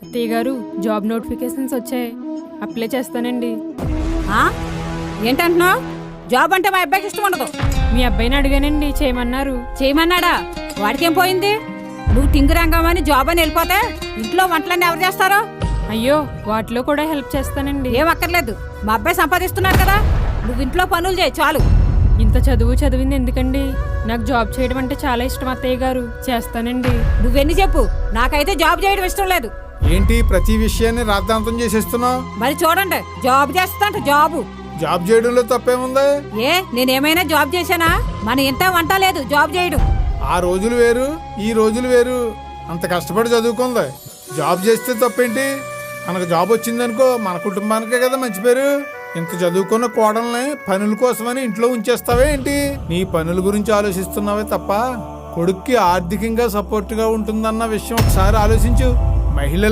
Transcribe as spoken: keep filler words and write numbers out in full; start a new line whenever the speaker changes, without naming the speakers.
అత్తయ్య గారు job notifications వచ్చాయి, అప్లై చేస్తానండి.
ఆ? ఏంటంటున్నావు? జాబ్ అంటే మా అబ్బాయికి ఇష్టం ఉండదు.
మీ అబ్బాయిని అడిగానండి, చేయమన్నారు.
చేయమన్నాడా? వాడికేం పోయింది? నువ్వు టింగురంగమని జాబ్ అని వెళ్ళిపోతే ఇంట్లో వంటలన్నీ ఎవరు చేస్తారో?
అయ్యో, వాటిలో కూడా హెల్ప్ చేస్తానండి.
ఏం అక్కర్లేదు, మా అబ్బాయి సంపాదిస్తున్నాడు కదా, నువ్వు ఇంట్లో పనులు చేయి చాలు.
ఇంత చదువు చదివింది ఎందుకండి? నాకు జాబ్ చేయడం అంటే చాలా ఇష్టం అత్తయ్య గారు, చేస్తానండి.
నువ్వెన్ని చెప్పు, నాకైతే జాబ్ చేయడం ఇష్టం లేదు.
ఏంటి ప్రతి విషయాన్ని రాద్ధాంతం చేసేస్తున్నావు?
మరి చూడండి, జాబ్ చేస్తాంట జాబు.
జాబ్ చేయడంలో తప్పేముంది?
ఏ నేనేమైనా జాబ్ చేశానా? మన ఇంత వంట లేదు జాబ్ చేయడం.
ఆ రోజులు వేరు, ఈ రోజులు వేరు. అంత కష్టపడి చదువుకుంది, జాబ్ చేస్తే తప్పేంటి? మనకు జాబ్ వచ్చిందనుకో, మన కుటుంబానికే కదా మంచి పేరు. ఇంత చదువుకున్న కోడల్ని పనుల కోసమని ఇంట్లో ఉంచేస్తావే ఏంటి? నీ పనుల గురించి ఆలోచిస్తున్నావే తప్ప కొడుక్కి ఆర్థికంగా సపోర్ట్గా ఉంటుందన్న విషయం ఒకసారి ఆలోచించు. మహిళ